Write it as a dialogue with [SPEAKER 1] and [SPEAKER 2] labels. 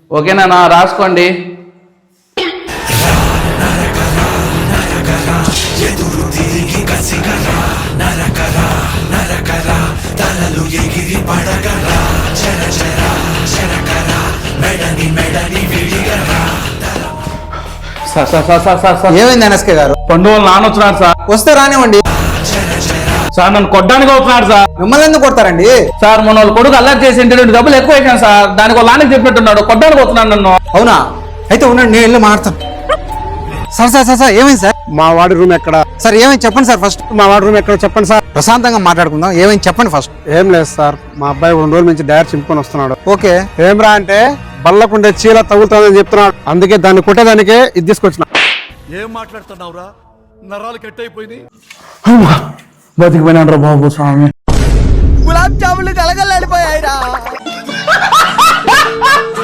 [SPEAKER 1] ఓకేనా, రాసుకోండి.
[SPEAKER 2] ఏమైంది ఎన్ఎస్కే గారు?
[SPEAKER 1] పండు వాళ్ళు నాన్న వచ్చినాడు సార్.
[SPEAKER 2] వస్తే రానివ్వండి.
[SPEAKER 1] సార్ నన్ను కొట్టడానికి అవుతున్నాడు సార్.
[SPEAKER 2] మిమ్మల్ని ఎందుకు కొడతారండి?
[SPEAKER 1] సార్ మన వాళ్ళ కొడుకు అల్లరి చేసి ఇంటి డబ్బులు ఎక్కువ అయిపోయాను సార్. దానికి వాళ్ళ నాన్నకి చెప్పినట్టున్నాడు, కొట్టడానికి అవుతున్నాడు నన్ను.
[SPEAKER 2] అవునా? అయితే ఉండండి, నేను వెళ్ళి మాట్లాడతాను. సార్ సార్ సార్ సార్ ఏమైంది సార్?
[SPEAKER 3] మా వాడి రూమ్ ఎక్కడ?
[SPEAKER 2] సార్ ఏమైంది చెప్పండి సార్. ఫస్ట్
[SPEAKER 3] మా వాడి రూమ్ ఎక్కడ చెప్పండి సార్.
[SPEAKER 2] ప్రశాంతంగా మాట్లాడుకుందాం. ఏమైంది చెప్పండి ఫస్ట్.
[SPEAKER 3] ఏం లేదు సార్, మా అబ్బాయి 2 రోజుల నుంచి డైరెక్ట్ చింపుకొని వస్తున్నాడు.
[SPEAKER 2] ఓకే.
[SPEAKER 3] ఏమ్రా అంటే బల్లకుండే చీల తగులుతుందని చెప్తున్నాడు. అందుకే దాన్ని కొట్టేదానికే ఇది తీసుకొచ్చిన.
[SPEAKER 4] ఏం మాట్లాడుతున్నావురా? నరాలు కట్ అయిపోయింది.
[SPEAKER 1] బతికిపోయినాడు రా బాబు స్వామి.
[SPEAKER 5] గులాబ్ జాములు కలగలడిపోయాయిరా.